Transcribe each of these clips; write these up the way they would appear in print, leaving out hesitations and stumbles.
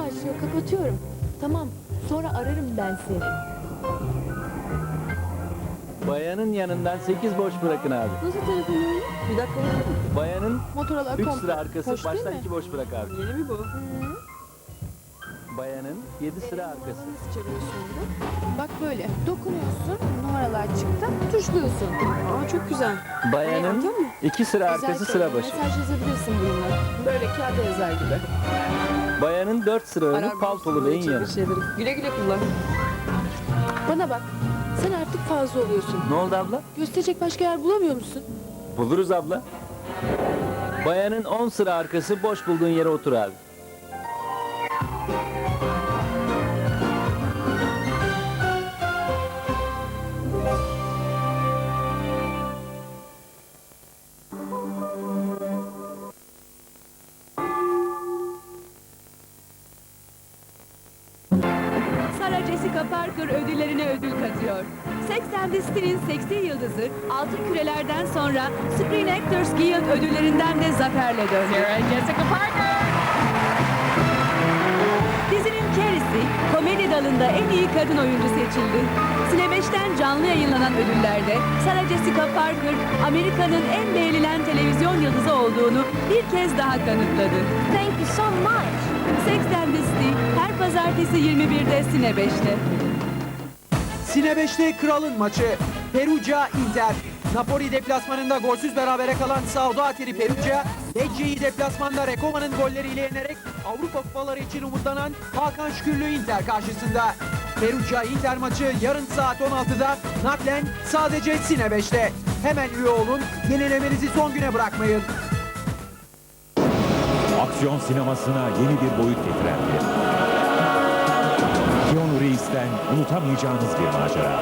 başlıyor, kapatıyorum. Tamam, sonra ararım ben seni. Bayanın yanından 8 boş bırakın abi. Nasıl telefonum? Bir dakika bakalım. Bayanın Motorlar 3 komple sıra arkası, boş değil baştan mi? 2 boş bırak abi. Yeni mi bu? Bayanın 7 sıra arkası. Nasıl çeviriyorsun bunu? Bak böyle, dokunuyorsun, numaralar çıktı, tuşluyorsun. Aa çok güzel. Bayanın Anladın mı? 2 sıra arkası, Güzel sıra şey, başı. mesaj yazabilirsin bununla. Böyle kağıda yazar gibi. Bayanın 4 sıra önü, paltolu ve en yanı. Güle güle kullan. Bana bak, sen artık fazla oluyorsun. Ne oldu abla? Gösterecek başka yer bulamıyor musun? Buluruz abla. Bayanın 10 sıra arkası, boş bulduğun yere otur abi. Sarah Jessica Parker ödüllerine ödül katıyor. Sex and the City'nin seksi yıldızı altın kürelerden sonra Screen Actors Guild ödüllerinden de zaferle döndü. Sarah Jessica Parker! Dizinin Carrie'si komedi dalında en iyi kadın oyuncu seçildi. Cine 5'ten canlı yayınlanan ödüllerde Sarah Jessica Parker Amerika'nın en beğenilen televizyon yıldızı olduğunu bir kez daha kanıtladı. Thank you so much. Sex and the City her pazartesi 21'de Cine 5'te. Sine 5'te kralın maçı. Perugia Inter. Napoli deplasmanında golsüz berabere kalan Saudatiri Perugia, Lecce'yi deplasmanda Recoma'nın golleriyle yenerek Avrupa kupaları için umutlanan Hakan Şükürlü Inter karşısında. Perugia Inter maçı yarın saat 16'da naklen sadece Sine 5'te. Hemen üye olun, yenilemenizi son güne bırakmayın. Aksiyon sinemasına yeni bir boyut getiren film. Keanu Reeves'ten unutamayacağınız bir macera.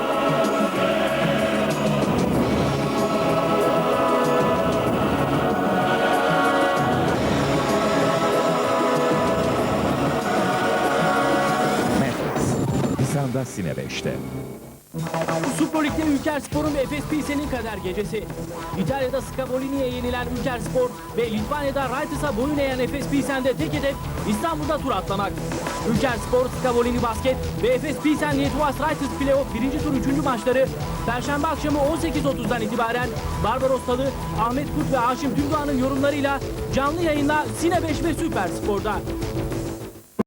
Matrix. Nisan'da Sine 5'te. Süper Lig'de Ülkerspor'un ve Efes Pilsen'in kader gecesi. İtalya'da Scavolini'ye yenilen Ülkerspor ve Litvanya'da Raitis'a boyun eğen Efes Pilsen'de tek hedef İstanbul'da tur atlamak. Ülkerspor, Scavolini Basket ve Efes Pilsen Lietuvas Raitis Playoff 1. tur 3. maçları Perşembe akşamı 18.30'dan itibaren Barbaros Talı, Ahmet Kurt ve Haşim Tümdoğan'ın yorumlarıyla canlı yayınla Sine 5 ve Süper Spor'da.